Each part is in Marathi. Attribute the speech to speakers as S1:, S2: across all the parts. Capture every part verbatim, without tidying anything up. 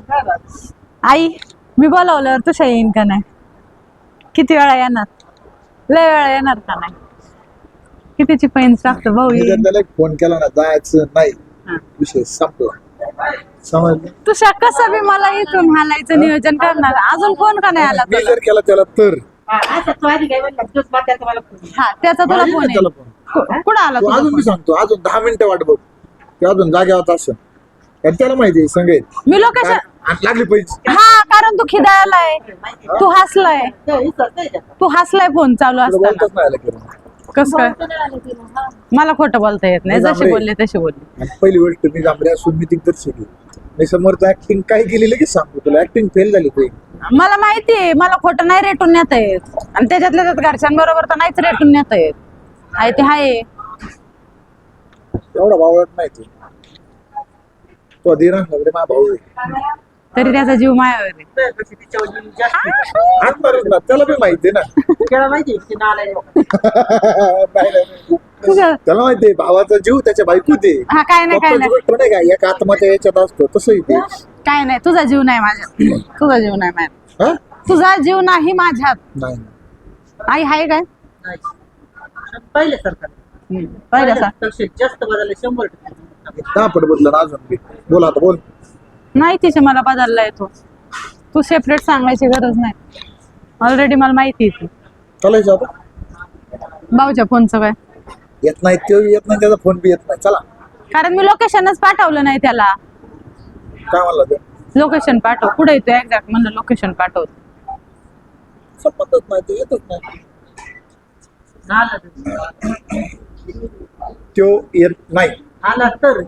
S1: आई मी बोलावल्यावर तुझ्या येईन का नाही? किती वेळा येणार? लय वेळा येणार का नाही? कितीची पैन टाकतो भाऊ
S2: मी जर
S1: येईन.
S2: त्याला फोन केला ना जायचं नाही विषय संपला समजलं.
S1: तुझ्या कसं बी मला इथून हालायचं नियोजन करणार. अजून फोन का नाही आला
S2: मी
S1: तुला?
S2: जर केला त्याला तर
S1: हा त्याचा तुला
S2: माझी
S1: फोन
S2: नाही त्याला
S1: आहे.
S2: फोन.
S1: कु- कुठं आला
S2: तो
S1: तुझा
S2: अजून मी
S1: फोन?
S2: सांगतो अजून दहा मिनिटं वाट बघ ते अजून जाग्यावर असं कारण त्याला माहिती आहे संगत
S1: मी लोकेशन
S2: लागली पैसे
S1: हा कारण तू खिदाळलाय, तू हसलाय, तू हसलाय फोन चालू
S2: तुला
S1: असताना.
S2: बोलतच नाही आलं करून.
S1: कस काय? मला खोटं बोलता येत नाही.
S2: मी
S1: जसे
S2: जांभळे.
S1: बोलले तसे बोलले.
S2: आणि पहिली गोष्ट मी जांभळे असून मी तिकडे शिकली मी समोरचं ऍक्टिंग काय केलेलं की सांगतो तुला ऍक्टिंग फेल झाली तुझी.
S1: मला माहितीये मला खोटं नाही रेटून नेता येत आणि त्याच्यातल्या त्यात घरच्यांबरोबर तर नाहीच रेटून नेता येत. आहे ते हाय.
S2: एवढा भावळट नाही तू तो धीरा नगरे मा भाऊ आहे.
S1: तरी त्याचा जीव मायावर आहे.
S2: आणणारच ना त्याला बी माहिती आहे ना नाही, नाही.
S1: तुझं
S2: त्याला माहिती आहे भावाचा जीव त्याच्या बायको दे
S1: हा काय नाही काय नाही
S2: गोष्ट नाही का एक आत्माच्या याच्यात असतो तसंही ते
S1: काय नाही. तुझा जीव नाही माझ्यात. तुझा जीव नाही माझ्यात.
S2: हा?
S1: तुझा जीव नाही माझ्यात.
S2: नाही
S1: आई हाय काय?
S3: पहिले सरकार
S1: हम्म, पहिलं सांग.
S3: जास्त बदलले शंभर टक्के
S2: दहा पट बदल ना अजून बी बोल आता बोल
S1: नाही तिचे मला बदलला येतो. तू सेपरेट सांगायची गरज नाही. ऑलरेडी मला माहिती आहे ती.
S2: चालायचं आता
S1: भाऊच्या फोनचं काय?
S2: येत नाही तो बी येत नाही त्याचा फोन बी येत नाही चला
S1: कारण मी लोकेशनच पाठवलं नाही त्याला.
S2: काय म्हणला ते
S1: लोकेशन पाठव. पुढे येतो एक्झॅक्ट म्हणलं लोकेशन पाठव.
S2: संबंधच नाही ते येतच नाही
S3: आलं
S2: तो येत नाही
S3: आला तर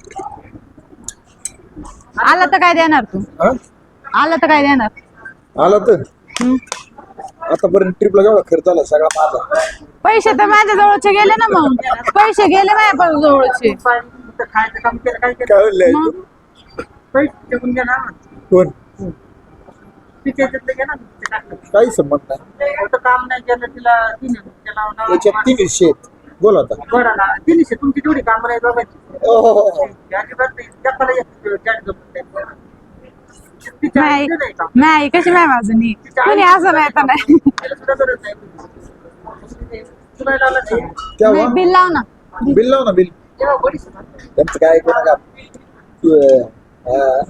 S1: आला तर काय देणार तू?
S2: हा?
S1: आला तर काय देणार?
S2: आला तर
S1: हम्म.
S2: आतापर्यंत ट्रिपला जेवढा खर्च आला सगळा माझा
S1: पैसे तर माझ्या जवळचे गेले ना. मग पैसे गेले माझ्या जवळचे.
S3: खायचं काम केलं काय केलं
S2: काय म्हणलंय
S1: मग?
S2: तू?
S3: पैसे टिकून घ्या ना
S2: कोण
S3: तिच्या याच्यातलं घ्या ना तिच्या टाकलं.
S2: काही संबंध नाही
S3: होतं काम नाही केलं तिला तिने त्याला
S2: त्याच्यात तीन विषय आहेत बोल आता
S3: बरं तिनेशे तुमची तेवढी काम नाही बघायची
S2: ओहो.
S3: अजिबात नाही जपाला येत जास्त जमत तिच्या
S1: नाही
S3: आईचं नाही काम
S1: नाही कशी नाही माझं कोणी असं नाही तर नाही.
S3: त्याला सुद्धा गरज नाही तुला आला नाही
S2: क्या
S1: नाही,
S2: हुआ?
S1: बिल लाव ना.
S2: बिल लाव ना बिल
S3: तेव्हा बडीच
S2: त्यांचं काय ऐकू नका तू, अं,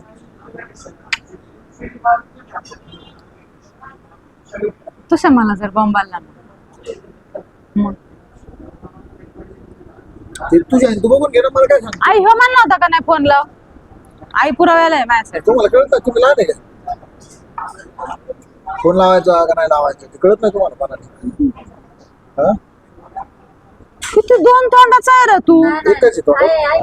S1: तुझ्या मला जर बॉम्ब आला ना मग
S2: ते तुझ्या तू बघून घे ना मला काय सांग
S1: आई हो म्हणला होता का नाही फोन लाव? आई पुराव्याला आहे माझ्यासाठी.
S2: तुम्हाला कळत नाही तुम्ही लहान आहे का फोन लावायचा का नाही लावायचा ते कळत नाही तुम्हाला मनाने हा
S1: किती दोन तोंडाचा आहे रे तू.
S2: एकच आहे तो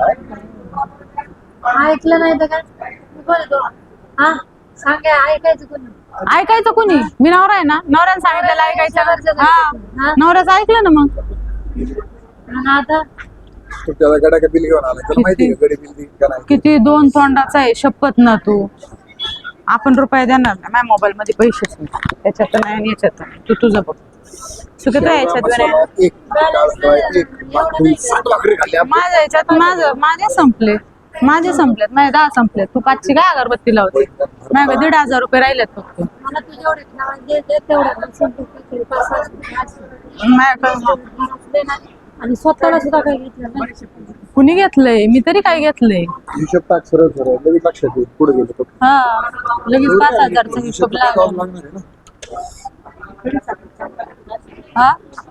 S4: ऐकलं नाही तर काय कोण तो हा सांगा ऐकायचं कोणी
S1: ऐकायचं कोणी? मी नवरा आहे ना. नवऱ्याने सांगितलेलं ऐकायचं. हा नवऱ्याचं ऐकलं ना मग.
S4: आणि आता
S2: तू त्याला गडा का बिल घेऊन आला त्याला माहिती आहे का गडी बिल देईन का नाही
S1: किती दोन तोंडाचा आहे शपथ ना तू. आपण रुपये देणार ना. माझ्या मोबाईल मध्ये पैसेच नाही. त्याच्यात नाही आणि याच्यात नाही. तू तुझं बघ. चुकत याच्यात
S2: मसाला एक डाळ फ्राय, एक भाकरी, सात भाकरी खाल्ल्या
S1: माझ्या याच्यात माझं माझे संपले. माझे संपलेत. माझे दहा संपलेत. तू पाचशे काय अगरबत्ती लावते? माझ्या दीड हजार रुपये राहिलेत फक्त.
S4: मला तू जेवढे नाव दे दे तेवढं पण संपू पाच सहा
S1: माझ्याकडे
S4: आणि स्वतःला सुद्धा काही घेतलं नाही.
S1: कुणी घेतलंय? मी तरी काय घेतलंय?
S2: हिशोब टाक सरळ सरळ लगेच लक्षात येईल पुढे गेलो
S1: हा लगेच पाच हजारचा हिशोब लागला.
S2: लागणार आहे ना
S1: हा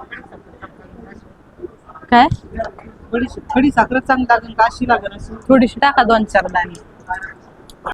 S1: काय
S3: थोडी थोडी साखर चांगली लागेल का अशी लागेल अशी
S1: थोडीशी टाका दोन चार दाणे.